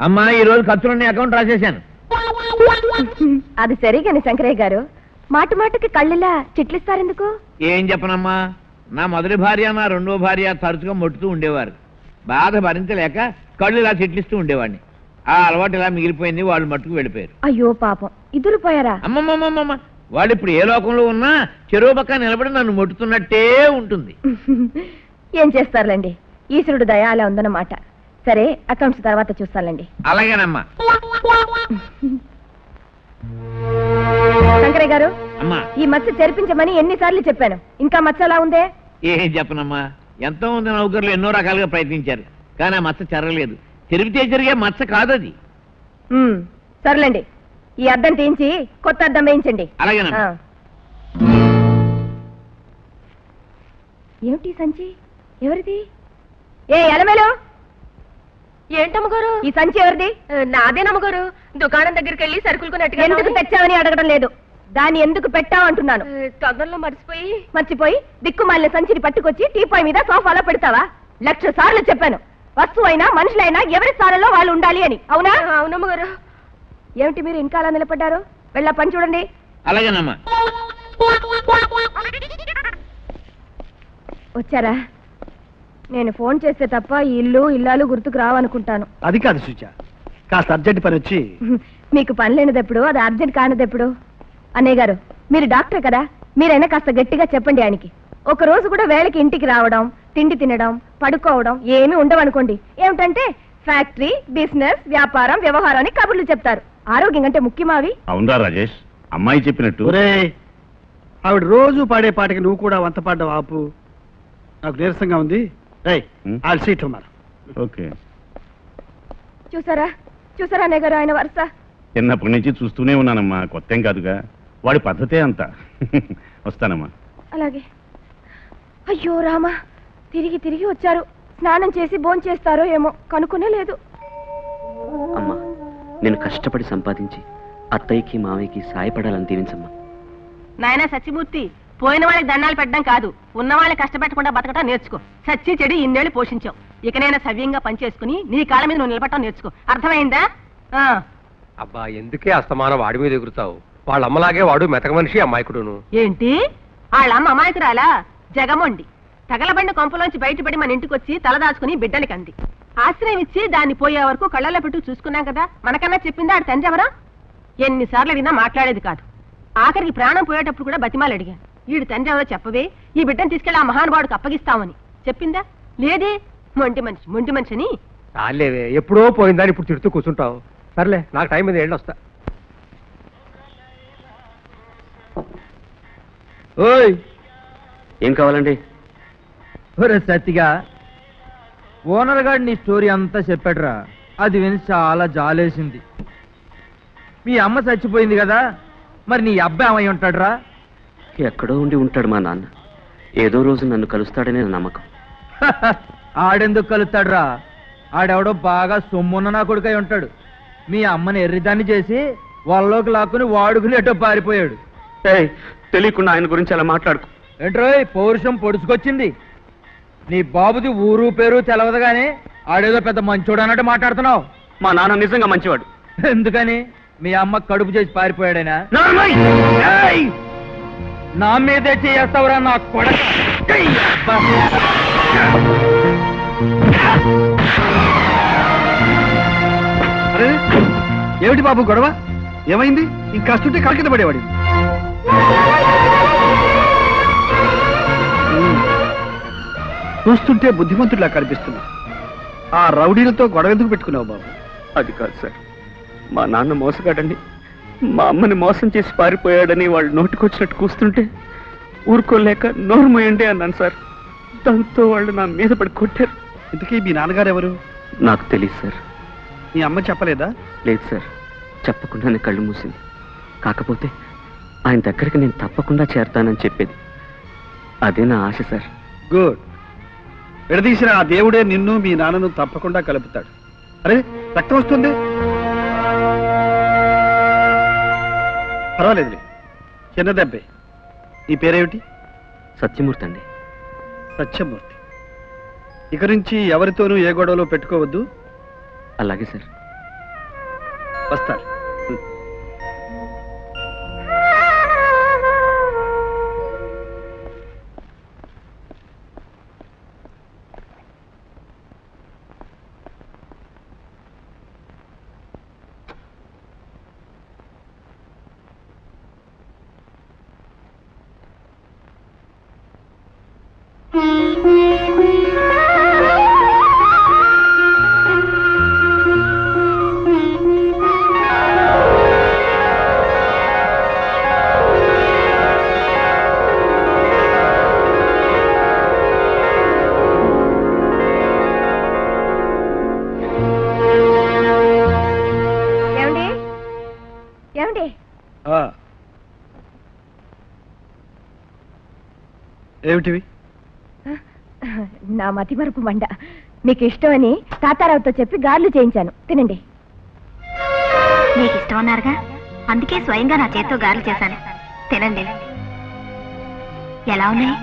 అమ్మా ఈ రోజు ఖర్చులన్నీ అకౌంట్ రాసేశాను. అది సరిగాని శంకరయ్య గారు, మాట మాటకి కళ్ళిలా చిట్లిస్తారెందుకు? ఏం చెప్పనమ్మా, నా మొదటి భార్య నా రెండో భార్య తరచుగా మొట్టుతూ ఉండేవారు. బాధ భరించలేక కళ్ళు ఇలా చిట్లిస్తూ ఉండేవాడిని. ఆ అలవాటు ఇలా మిగిలిపోయింది. వాళ్ళు మట్టుకు వెళ్ళిపోయారు. అయ్యో పాపం, ఇద్దరు పోయారా? అమ్మమ్మమ్మమ్మ, వాళ్ళు ఇప్పుడు ఏ లోకంలో ఉన్నా చెరువు పక్క నిలబడి నన్ను మొట్టుతున్నట్టే ఉంటుంది. ఏం చేస్తారులేండి, ఈశ్వరుడు దయ అలా ఉందన్నమాట. సరే, అకౌంట్స్ తర్వాత చూస్తానండి. అలాగేనమ్మా. శంకరయ్య గారు, అమ్మా ఈ మచ్చ చెరిపించమని ఎన్నిసార్లు చెప్పాను, ఇంకా మచ్చ అలా ఉందే? ఏం చెప్పనమ్మా, ఎంతో మంది నౌకర్లు ఎన్నో రకాలుగా ప్రయత్నించారు, కానీ ఆ మచ్చ చెరగలేదు. చెరిపితే జరిగే మచ్చ కాదది. సర్లేండి, ఈ అద్దం తీయించి కొత్త అద్దం వేయించండి. అలాగేనమ్మా. ఏమిటి సంచి? ఎవరిది? ఏ ఎలమేలు, ఏంటమ్మగారు ఈ సంచి ఎవరిది? నాదేనమ్మగారు. దుకాణం దగ్గరికి వెళ్ళి సరుకులు కొన్నట్టుగా. ఎందుకు తెచ్చావని అడగడం లేదు, దాన్ని ఎందుకు పెట్టావు అంటున్నాను. తొందరలో మర్చిపోయి దిక్కుమాలిన సంచిని పట్టుకొచ్చి టీపాయ్ మీద సోఫాలో పెడతావా? 1,00,000 సార్లు చెప్పాను, వస్తువైనా మనుషులైనా ఎవరి స్థానంలో వాళ్ళు ఉండాలి అని. అవునా? అవునమ్మగారు. ఏమిటి మీరు ఇంకా అలా నిలబడ్డారు? వెళ్ళా పని చూడండి. అలాగేనమ్మా. వచ్చారా? నేను ఫోన్ చేస్తే తప్ప ఈ ఇల్లు ఇల్లాలు గుర్తుకు రావనుకుంటాను. అది కాదు సుజ, కాస్త అర్జెంట్ పని వచ్చి. మీకు పని లేనిదెప్పుడు, అది అర్జెంట్ కానిదెప్పుడు? అన్నయ్య గారు, మీరు డాక్టర్ కదా, మీరైనా కాస్త గట్టిగా చెప్పండి ఆయనకి. ఒక రోజు కూడా వేళకి ఇంటికి రావడం, తిండి తినడం, పడుకోవడం ఏమీ ఉండవనుకోండి. ఏమిటంటే ఫ్యాక్టరీ, బిజినెస్, వ్యాపారం, వ్యవహారం అని కబుర్లు చెప్తారు. ఆరోగ్యం అంటే ముఖ్యమావి. అవునరా రాజేష్, అమ్మాయి చెప్పినట్టు. ఆవిడ రోజు పాడే పాటకి నువ్వు కూడా వంత పాడ్డావు. ఆపు, నాకు నీరసంగా ఉంది. ఓకే. చూసారా అన్నయ్య గారు ఆయన వరుస? చిన్నప్పటి నుంచి చూస్తూనే ఉన్నానమ్మా, కొత్త ఏం కాదుగా. వాడి పద్ధతే అంతా. వస్తానమ్మా. అలాగే. అయ్యో రామా, తిరిగి వచ్చారు. స్నానం చేసి భోంచేస్తారో ఏమో, కనుక్కునే లేదు. అమ్మా, నేను కష్టపడి సంపాదించి అత్తయ్యకి మావయ్యకి సాయపడాలని దీవించమ్మా. నాయనా సత్యమూర్తి, పోయిన వాళ్ళకి దండాలు పెట్టడం కాదు, ఉన్న వాళ్ళని కష్టపెట్టకుండా బతకటం నేర్చుకో. సచ్చి చెడి ఇన్నేళ్ళు పోషించావు, ఇకనైనా సవ్యంగా పనిచేసుకుని నీ కాళ్ళ మీద నువ్వు నిలబడటం నేర్చుకో. అర్థమైందా? అబ్బా, ఎందుకే అస్తమానం వాడి మీద ఎగురుతావు? వాళ్ళ అమ్మలాగే వాడు మెతక మనిషి, అమాయకుడును. ఏంటి? వాళ్ళమ్మ అమాయకురాలా? జగమొండి తగలబండి కొంపలోంచి బయటపడి మన ఇంటికి వచ్చి తలదాచుకుని బిడ్డలకి అంది. ఆశ్రయం ఇచ్చి దాన్ని పోయే వరకు కళ్ళల్లో పెట్టు చూసుకున్నాం కదా. మనకన్నా చెప్పిందా ఆడి తండ్రి ఎవరా? ఎన్నిసార్లు అడిగినా మాట్లాడేది కాదు. ఆఖరికి ప్రాణం పోయేటప్పుడు కూడా బతిమాలు అడిగాను, వీడి తండ్రి ఎవరో చెప్పవే, ఈ బిడ్డను తీసుకెళ్లి ఆ మహానుభావుడికి అప్పగిస్తామని. చెప్పిందా? లేదే. మొంటి మనిషి అని. చాలేవే, ఎప్పుడో పోయిందని ఇప్పుడు తిడుతూ కూర్చుంటావు. సర్లే, నాకు టైం మీద వెళ్ళొస్తా. ఓయ్, ఏం కావాలండి? సత్తిగా ఓనర్ గారు నీ స్టోరీ అంతా చెప్పాడురా. అది విని చాలా జాలేసింది. మీ అమ్మ చచ్చిపోయింది కదా, మరి నీ అబ్బాయి ఏమై ఉంటాడురా? ఎక్కడో ఉండి ఉంటాడు మా నాన్న. ఏదో రోజు నన్ను కలుస్తాడనే నమ్మకం. ఆడెందుకు కలుస్తాడురా? ఆడెవడో బాగా సొమ్మున్న నా కొడుకై ఉంటాడు. మీ అమ్మని ఎర్రిదాన్ని చేసి వాళ్ళలోకి లాక్కుని వాడుకునేటో పారిపోయాడు. తెలియకుండా ఆయన గురించి అలా మాట్లాడుకో. ఏంట్రోయ్, పౌరుషం పొడుచుకొచ్చింది. నీ బాబుది ఊరు పేరు తెలవదు గానీ ఆడేదో పెద్ద మంచోడు అన్నట్టు మాట్లాడుతున్నావు. మా నాన్న నిజంగా మంచివాడు. ఎందుకని? మీ అమ్మ కడుపు చేసి పారిపోయాడైనా? నా మీదే చేస్తావురా నా కొడక. ఏమిటి బాబు గొడవ? ఏమైంది? ఇంకాస్తుంటే కలకింద పడేవాడి. చూస్తుంటే బుద్ధిమంతుడిలా కనిపిస్తున్నా. ఆ రౌడీలతో గొడవ ఎందుకు పెట్టుకున్నావు బాబు? అది కాదు సార్, మా నాన్న మోసగాడండి. మా అమ్మని మోసం చేసి పారిపోయాడని వాళ్ళు నోటికొచ్చినట్టు కూస్తుంటే ఊరుకోలేక నోరు మోయండి అన్నాను సార్. దాంతో వాళ్ళు నా మీద పడి కొట్టారు. ఇంతకీ మీ నాన్నగారు ఎవరు? నాకు తెలియదు సార్. మీ అమ్మ చెప్పలేదా? లేదు సార్, చెప్పకుండానే కళ్ళు మూసింది. కాకపోతే ఆయన దగ్గరికి నేను తప్పకుండా చేరతానని చెప్పేది. అదే నా ఆశ సార్. గుడ్. విడదీసిన ఆ దేవుడే నిన్ను మీ నాన్నను తప్పకుండా కలుపుతాడు. అరే, రక్తం వస్తుంది. పర్వాలేదులే, చిన్న దెబ్బే. నీ పేరేమిటి? సత్యమూర్తి అండి. సత్యమూర్తి. ఇక నుంచి ఎవరితోనూ ఏ గొడవలో పెట్టుకోవద్దు. అలాగే సార్. వస్తాడు. ఏమిటివి? నా మతి మరుపు మండ. మీకు ఇష్టమని తాతారావుతో చెప్పి గార్లు చేయించాను, తినండి. మీకు ఇష్టం అన్నారుగా, అందుకే స్వయంగా నా చేత్తో గారెలు చేశాను, తినండి. ఎలా ఉన్నాయి?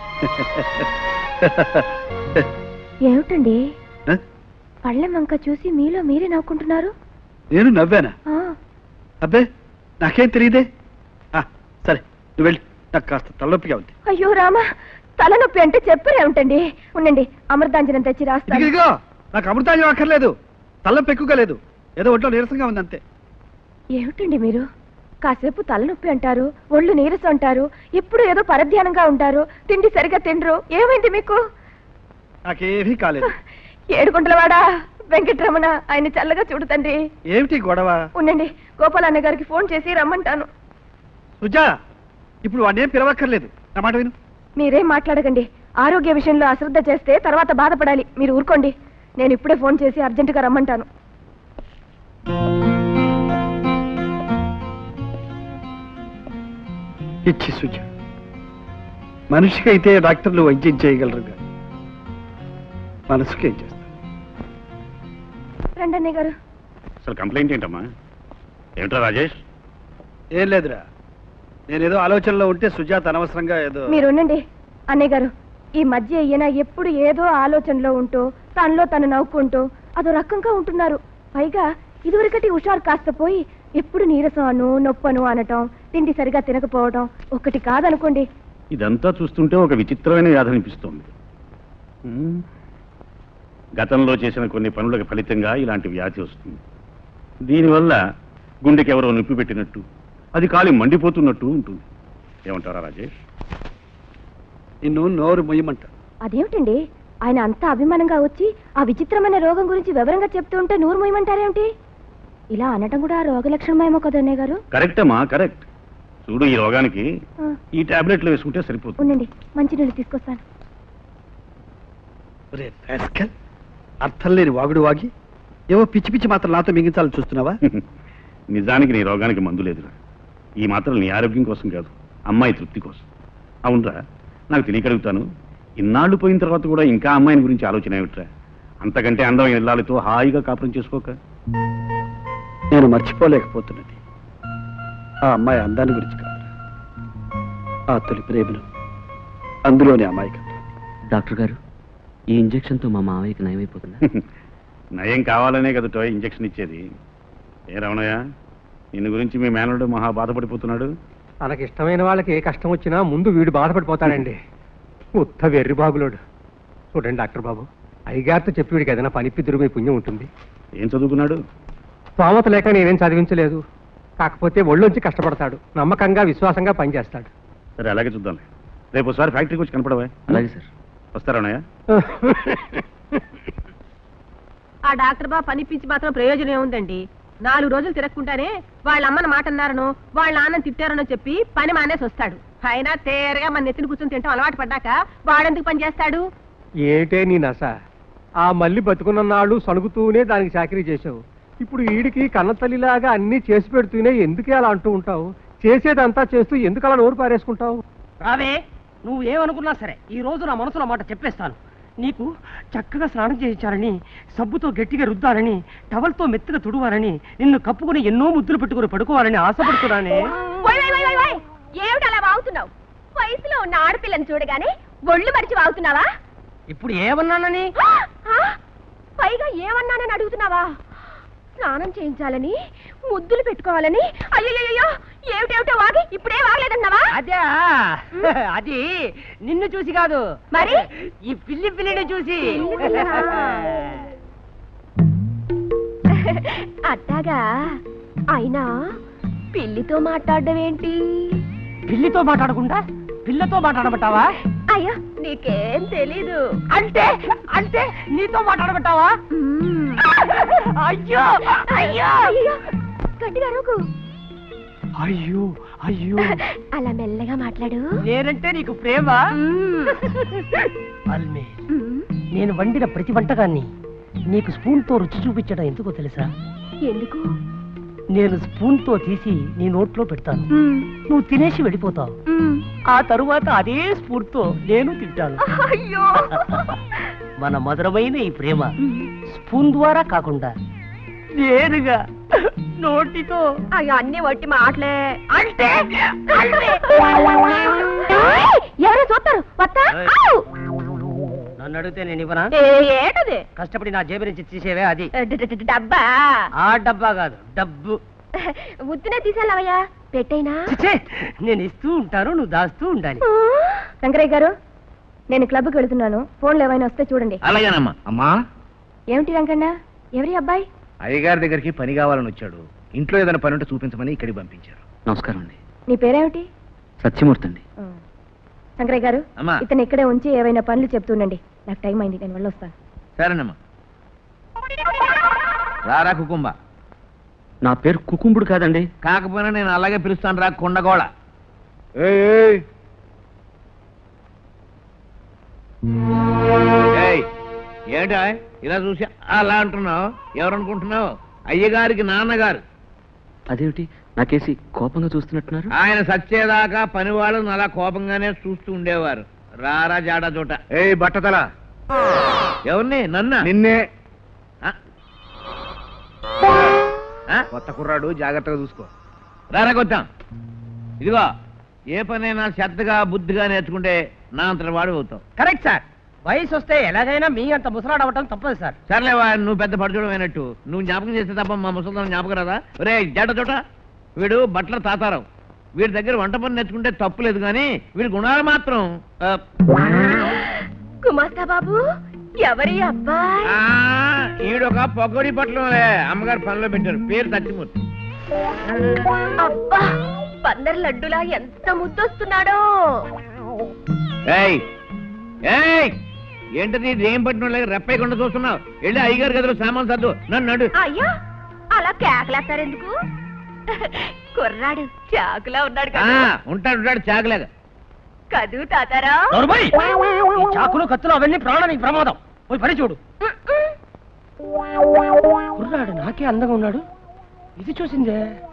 ఏమిటండి పళ్ళెం వంక చూసి మీలో మీరే నవ్వుకుంటున్నారు? నేను నవ్వానా? అబ్బే, నాకేం తెలియదే. సరే, నువ్వు వెళ్ళి, నాకు కాస్త తలనొప్పిగా ఉంది. అయ్యో రామా, తలనొప్పి అంటే చెప్పరే ఉంటండి. ఉండండి, అమృతాంజనం తెచ్చి రాస్తాను. ఇదిగో, నాకు అమృతాంజనం అక్కర్లేదు, తలనొప్పి ఎక్కువగా లేదు, ఏదో ఒంట్లో నీరసంగా ఉంది అంతే. ఏమిటండి మీరు కాసేపు తలనొప్పి అంటారు, ఒళ్ళు నీరసం అంటారు, ఇప్పుడు ఏదో పరధ్యానంగా ఉంటారు, తిండి సరిగా తిండ్రు. ఏమైంది మీకు? నాకేమీ కాలేదు. ఏడుగుంటలవాడా వెంకటరమణ, ఆయన చల్లగా చూడు తండ్రి. ఏమిటి గొడవ? ఉండండి, గోపాలన్న గారికి ఫోన్ చేసి రమ్మంటాను. సుజా, ఇప్పుడు వాడిని ఏం పిలవక్కర్లేదు, నా మాట విను. మీరేం మాట్లాడకండి. ఆరోగ్య విషయంలో అశ్రద్ధ చేస్తే తర్వాత బాధపడాలి. మీరు ఊరుకోండి. నేను ఇప్పుడే ఫోన్ చేసి అర్జెంటుగా రమ్మంటాను. ఇచ్చి సుజా, మనిషికైతే డాక్టర్లు వైద్యం చేయగలరు, మనసుకేం చేస్తారు? రండి అన్నయ్య గారు. అసలు కంప్లైంట్ ఏంటమ్మా? ఏమిట్రా రాజేష్? ఏం లేదురా, నేనేదో ఆలోచనలో ఉంటే సుజాత అనవసరంగా ఏదో. మీరు ఉండండి అన్నయ్య గారు. ఈ మధ్య ఈయన ఎప్పుడు ఏదో ఆలోచనలో ఉంటూ తనలో తను నవ్వుకుంటూ అదో రకంగా ఉంటున్నారు. పైగా ఇదివరకటి హుషారు కాస్త పోయి ఎప్పుడు నీరసం అను నొప్పను అనటం, తిండి సరిగా తినకపోవడం ఒకటి కాదనుకోండి. ఇదంతా చూస్తుంటే ఒక విచిత్రమైన వ్యాధి అనిపిస్తోంది. గతంలో చేసిన కొన్ని పనులకు ఫలితంగా ఇలాంటి వ్యాధి వస్తుంది. దీనివల్ల గుండెకి ఎవరో నొప్పి పెట్టినట్టు, అది కాలి మండిపోతున్నట్టు ఉంటుంది. ఏమంటారా రాజేష్? నిన్ను నోరు మొయ్యమంట. అదేమిటండి, ఆయన అంతా అభిమానంగా వచ్చి ఆ విచిత్రమైన రోగం గురించి వివరంగా చెప్తూ ఉంటే నోరు మొయ్యమంటారేమిటి? ఇలా అనటం కూడా రోగ లక్షణమేమో కదా అన్నయ్య గారు. కరెక్ట్ అమ్మా, కరెక్ట్. చూడు, ఈ రోగానికి ఈ టాబ్లెట్లు వేసుకుంటే సరిపోతుంది. ఉండండి, మంచినీళ్ళు తీసుకొస్తాను. అర్థం లేని వాగుడు వాగి ఏవో పిచ్చి పిచ్చి మాత్రం నాతో మింగించాలని చూస్తున్నావా? నిజానికి నీ రోగానికి మందు లేదురా. ఈ మాత్రం నీ ఆరోగ్యం కోసం కాదు, అమ్మాయి తృప్తి కోసం. అవునరా, నాకు తెలియగలుగుతాను, ఇన్నాళ్ళు పోయిన తర్వాత కూడా ఇంకా అమ్మాయిని గురించి ఆలోచన ఏమిట్రా? అంతకంటే అందమైన ఇల్లాలతో హాయిగా కాపురం చేసుకోక. నేను మర్చిపోలేకపోతున్నది ఆ అమ్మాయి అందాన్ని గురించి కాదు, ఆ తొలి ప్రేమను, అందులోని అమ్మాయికత్వం. డాక్టర్ గారు, ఈ ఇంజెక్షన్తో మా మావయ్యకి నయమైపోతుందా? నయం కావాలనే కదా ఇంజెక్షన్ ఇచ్చేది. ఏ రమణయ్య, నిన్ను గురించి మీ మేనలుడు మహా బాధపడిపోతున్నాడు. తనకి ఇష్టమైన వాళ్ళకి ఏ కష్టం వచ్చినా ముందు వీడు బాధపడిపోతాడండి. ఉత్త వెర్రి బాబులోడు. చూడండి డాక్టర్ బాబు, అయ్యగారితో చెప్పి వీడికి ఏదైనా పనిపిద్దురు మీ పుణ్యం ఉంటుంది. ఏం చదువుకున్నాడు? స్తోమత లేక నేనేం చదివించలేదు. కాకపోతే ఒళ్ళొంచి కష్టపడతాడు, నమ్మకంగా విశ్వాసంగా పనిచేస్తాడు. సరే, అలాగే చూద్దాం. రేపు ఒకసారి ఫ్యాక్టరీకి వచ్చి కనపడవా? అలాగే సార్. వస్తారన్నయ్య? ఆ డాక్టర్ బాబు పనిపించి మాత్రం ప్రయోజనం ఏముందండి? 4 రోజులు తిరగకుండానే వాళ్ళ అమ్మని మాట అన్నారనో వాళ్ళ నాన్నని తిట్టారనో చెప్పి పని మానేసి వస్తాడు. అయినా తేరగా మన నెత్తిని కూర్చొని తింటాం అలవాటు పడ్డాక వాడెందుకు పని చేస్తాడు? ఏటే నీ నస? ఆ మళ్ళీ బతుకున్న నాళ్ళు సణుగుతూనే దానికి చాకరీ చేసావు. ఇప్పుడు వీడికి కన్నతల్లిలాగా అన్ని చేసి పెడుతూనే ఎందుకే అలా అంటూ ఉంటావు? చేసేదంతా చేస్తూ ఎందుకు అలా నోరు పారేసుకుంటావు? రావే, నువ్వు ఏమనుకున్నా సరే ఈ రోజు నా మనసులో మాట చెప్పేస్తాను. నీకు చక్కగా స్నానం చేయించాలని, సబ్బుతో గట్టిగా రుద్దాలని, టవల్తో మెత్తగా తుడవాలని, నిన్ను కప్పుకుని ఎన్నో ముద్దులు పెట్టుకుని పడుకోవాలని ఆశపడుతున్నానే. ఏమిటి అలా వాగుతున్నావు? వయసులో ఉన్న ఆడపిల్లని చూడగానే ఒళ్ళు మరిచి వాగుతున్నావా? ఇప్పుడు ఏమన్నానని? పైగా ఏమన్నానని అడుగుతున్నావా? స్నానం చేయించాలని ముద్దులు పెట్టుకోవాలని అయ్యో ఏమిటేమిటో వాగి ఇప్పుడే వాగలేదన్నావా? అదే అది నిన్ను చూసి కాదు, మరి ఈ పిల్లిని చూసి. అట్టాగా అయినా పిల్లితో మాట్లాడడం ఏంటి? పిల్లితో మాట్లాడకుండా పిల్లతో మాట్లాడబట్టావా? అయ్యో నీకేం తెలీదు. అంటే అంటే నీతో మాట్లాడబట్టావా? అయ్యో అయ్యో అయ్యో గట్టిగా అరవకు. అయ్యో అయ్యో అలా మెల్లగా మాట్లాడు. నేనంటే నీకు ప్రేమ? అల్మే, నేను వండిన ప్రతి వంటకాన్ని నీకు స్పూన్ తో రుచి చూపించడం ఎందుకో తెలుసా? ఎందుకు? నేను స్పూన్ తో తీసి నీ నోట్లో పెడతాను, నువ్వు తినేసి వెళ్ళిపోతావు. ఆ తరువాత అదే స్పూన్ తో నేను తింటాను. అయ్యో మన మధురమైన ఈ ప్రేమ స్పూన్ ద్వారా కాకుండా నేరుగా నోటితో. అయ్యో అన్ని వట్టి మాటలే. అంటే ఎవరో చూస్తారు. వస్తా. నన్ను అడిగితే నేను ఇవ్వనా? ఏటది? కష్టపడి నా జేబు నుంచి తీసేవే అది. డబ్బా? ఆ డబ్బా కాదు, డబ్బు. ఉత్తినే తీసేలావయ్యా, పెట్టైనా. చిచ్చే, నేను ఇస్తూ ఉంటాను, నువ్వు దాస్తూ ఉండాలి. శంకరయ్య గారు, నేను క్లబ్కి వెళుతున్నాను. ఫోన్లు ఏమైనా వస్తే చూడండి. అలాగేనమ్మా. అమ్మా, ఏమిటి రంగన్న? ఎవరి అబ్బాయి? అయ్యగారి దగ్గరికి పని కావాలని వచ్చాడు. ఇంట్లో ఏదైనా పని ఉంటే చూపించమని ఇక్కడికి పంపించారు. నమస్కారం అండి. నీ పేరేమిటి? సత్యమూర్తి అండి. శంకరయ్య గారు, అమ్మా. ఇతను ఇక్కడే ఉంచి ఏవైనా పనులు చెప్తుండండి. నాకు టైం అయింది, నేను వెళ్ళొస్తాను. సరేనమ్మా. రారా కుకుంబ. నా పేరు కుకుంబుడు కాదండి. కాకపోయినా నేను అలాగే పిలుస్తాను రా కొండగోళ. ఏంటా ఇలా చూసి అలా అంటున్నావు? ఎవరనుకుంటున్నావు? అయ్యగారికి నాన్నగారు. అదేమిటి నాకేసి కోపంగా చూస్తున్నట్టున్నారు? ఆయన సచ్చేదాకా పని వాళ్ళని అలా కోపంగానే చూస్తూ ఉండేవారు. రారా జాడా చోట. బట్టతల, ఎవరిని? నన్న నిన్నే. ఆ? కొత్త కుర్రాడు, జాగ్రత్తగా చూసుకో. రారా కొత్తాం. ఇదిగో, ఏ పనైనా శ్రద్ధగా బుద్ధిగా నేర్చుకుంటే నా అంతటి వాడు అవుతావు. Correct sir. వయసు వస్తే ఎలాగైనా మీ అంత ముసలాడు అవ్వటం తప్పదు సార్. సర్లేవా, నువ్వు పెద్ద పడుచోడం అయినట్టు నువ్వు జ్ఞాపకం చేస్తే తప్ప మా ముసలిదాన్ని జ్ఞాపకం రాదా? రే జడ చోట, వీడు బట్టల తాతారావు. వీడి దగ్గర వంట పని నేర్చుకుంటే తప్పు లేదు, కానీ వీడి గుణాలు మాత్రం కుమార్తె బాబు, ఎవరి అబ్బాయి? ఈడొక పొగడి పట్లంలే, అమ్మగారు పనిలో పెట్టారు. పేరు సత్యమూర్తి. అబ్బా, పందర్ లడ్డులా ఎంత ముద్దొస్తున్నాడో. ఏయ్ ఏయ్, ఏంటది ఏం పట్టిన రెప్పయ్యకుండా చూస్తున్నావు? వెళ్ళి అయ్యగారు గదిలో సామాన్ సర్దు. నన్ను నడు. అయ్యా, అలా కేకలేస్తారెందుకు? కుర్రాడు చాకులా ఉన్నాడు కదా. ఉంటాడు ఉంటాడు చాకలేగా. కదూ తాతారా? ఈ చాకులు కత్తులు అవన్నీ ప్రాణానికి ప్రమాదం. పోయి పని చూడు. కుర్రాడు నాకే అందంగా ఉన్నాడు, ఇది చూసిందే.